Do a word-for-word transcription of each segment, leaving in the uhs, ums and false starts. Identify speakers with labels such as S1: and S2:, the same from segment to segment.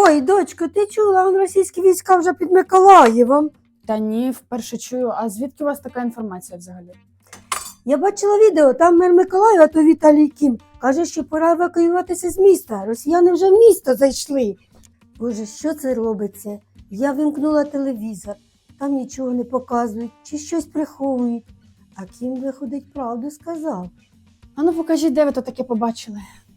S1: Ой, дочко, ти чула, он російські війська вже під Миколаєвом.
S2: Та ні, вперше чую. А звідки у вас така інформація взагалі?
S1: Я бачила відео, там мер Миколаєва, то Віталій Кім, каже, що пора евакуюватися з міста. Росіяни вже в місто зайшли. Боже, що це робиться? Я вимкнула телевізор, там нічого не показують, чи щось приховують. А Кім, виходить, правду сказав.
S2: А ну покажіть, де ви то таке побачили.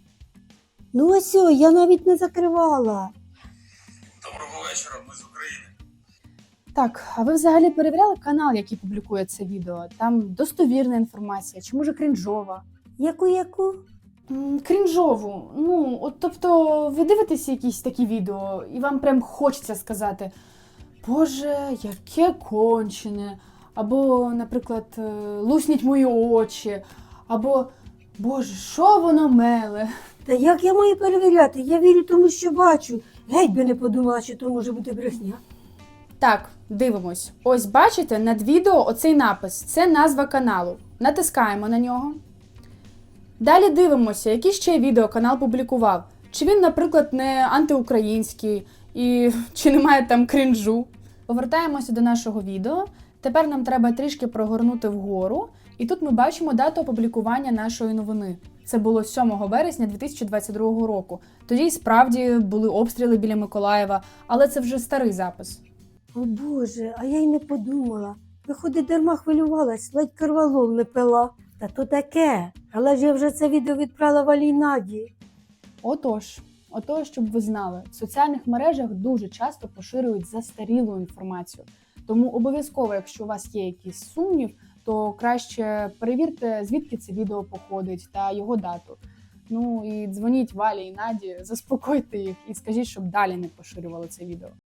S1: Ну ось, о, я навіть не закривала.
S3: Доброго вечора, ми з України.
S2: Так, а ви взагалі перевіряли канал, який публікує це відео? Там достовірна інформація, чи може крінжова?
S1: Яку-яку?
S2: М, Крінжову. Ну, от тобто ви дивитеся якісь такі відео, і вам прям хочеться сказати: Боже, яке кончене, або, наприклад, е, лусніть мої очі, або Боже, що воно меле.
S1: Та як я маю перевіряти? Я вірю тому, що бачу. Геть би не подумала, що то може бути брехня.
S2: Так, дивимось. Ось бачите, над відео оцей напис. Це назва каналу. Натискаємо на нього. Далі дивимося, які ще відео канал публікував. Чи він, наприклад, не антиукраїнський, і чи немає там крінжу. Повертаємося до нашого відео. Тепер нам треба трішки прогорнути вгору. І тут ми бачимо дату опублікування нашої новини. Це було сьомого вересня дві тисячі двадцять другого року. Тоді й справді були обстріли біля Миколаєва, але це вже старий запис.
S1: О Боже, а я й не подумала. Виходить, дарма хвилювалась, ледь карвалол не пила. Та то таке, але ж я вже це відео відправила Валій Наді.
S2: Отож, отож, щоб ви знали, в соціальних мережах дуже часто поширюють застарілу інформацію. Тому обов'язково, якщо у вас є якийсь сумнів, то краще перевірте, звідки це відео походить та його дату. Ну і дзвоніть Валі і Наді, заспокойте їх і скажіть, щоб далі не поширювали це відео.